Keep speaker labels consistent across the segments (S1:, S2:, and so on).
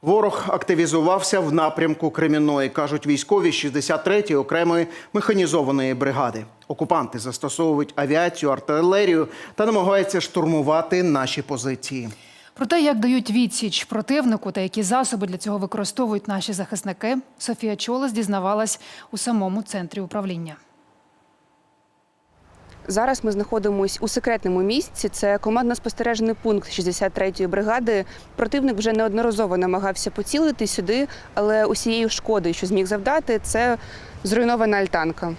S1: Ворог активізувався в напрямку Кремінної, кажуть військові 63-ї окремої механізованої бригади. Окупанти застосовують авіацію, артилерію та намагаються штурмувати наші позиції.
S2: Про те, як дають відсіч противнику та які засоби для цього використовують наші захисники, Софія Чолос дізнавалась у самому центрі управління.
S3: Зараз ми знаходимося у секретному місці. Це командно-спостережний пункт 63-ї бригади. Противник вже неодноразово намагався поцілити сюди, але усією шкодою, що зміг завдати, це зруйнована альтанка.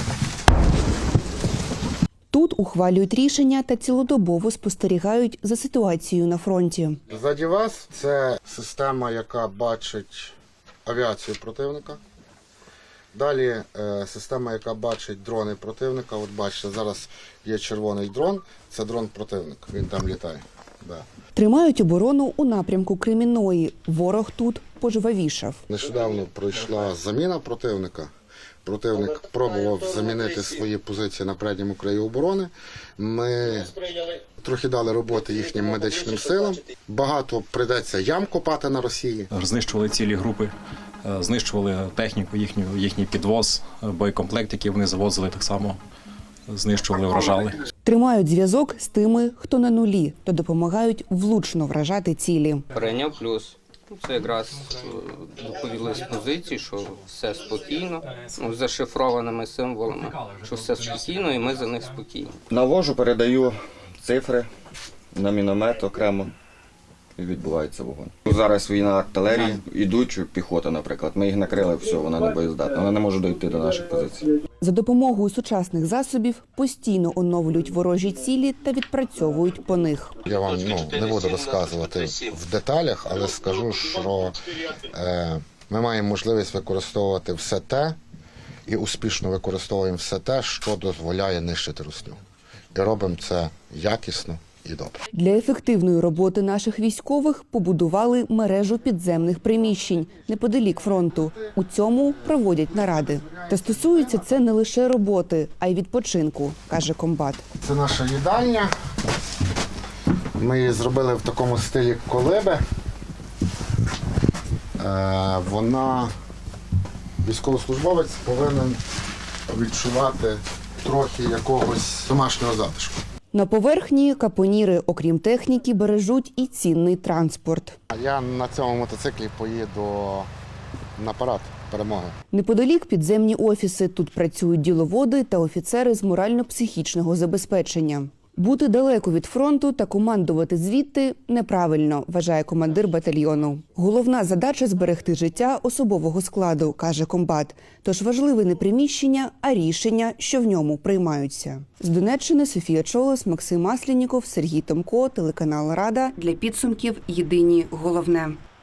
S3: Тут ухвалюють рішення та цілодобово спостерігають за ситуацією на фронті.
S4: Ззаді вас це система, яка бачить авіацію противника. Далі система, яка бачить дрони противника. От бачите, зараз є червоний дрон, це дрон-противник, він там літає. Да.
S3: Тримають оборону у напрямку Кремінної. Ворог тут пожвавішав.
S4: Нещодавно пройшла заміна противника. Противник пробував замінити свої позиції на передньому краї оборони. Ми трохи дали роботи їхнім медичним силам. Багато прийдеться ям копати на Росії.
S5: Знищували цілі групи, знищували техніку, їхній підвоз, боєкомплект, який вони завозили, так само знищували, вражали.
S3: Тримають зв'язок з тими, хто на нулі, та допомагають влучно вражати цілі.
S6: Прийняв плюс. Це якраз доповіли з позиції, що все спокійно, з зашифрованими символами, що все спокійно і ми за них спокійні.
S7: Навожу, передаю цифри на міномет окремо і відбувається вогонь. Зараз війна артилерії, ідуть піхота, наприклад. Ми їх накрили, все, вона не боєздатна, вона не може дойти до наших позицій.
S3: За допомогою сучасних засобів постійно оновлюють ворожі цілі та відпрацьовують по них.
S4: Я вам не буду розказувати в деталях, але скажу, що ми маємо можливість використовувати все те і успішно використовуємо все те, що дозволяє нищити русню. І робимо це якісно і добре.
S3: Для ефективної роботи наших військових побудували мережу підземних приміщень неподалік фронту. У цьому проводять наради. Та стосується це не лише роботи, а й відпочинку, каже комбат.
S4: Це наша їдальня. Ми її зробили в такому стилі колиби. Військовослужбовець повинен відчувати трохи якогось домашнього затишку.
S3: На поверхні капоніри, окрім техніки, бережуть і цінний транспорт.
S4: Я на цьому мотоциклі поїду на парад перемоги.
S3: Неподалік підземні офіси. Тут працюють діловоди та офіцери з морально-психічного забезпечення. Бути далеко від фронту та командувати звідти неправильно, вважає командир батальйону. Головна задача – зберегти життя особового складу, каже комбат. Тож важливе не приміщення, а рішення, що в ньому приймаються. З Донеччини Софія Чолос, Максим Маслініков, Сергій Томко, телеканал Рада. Для підсумків єдині головне.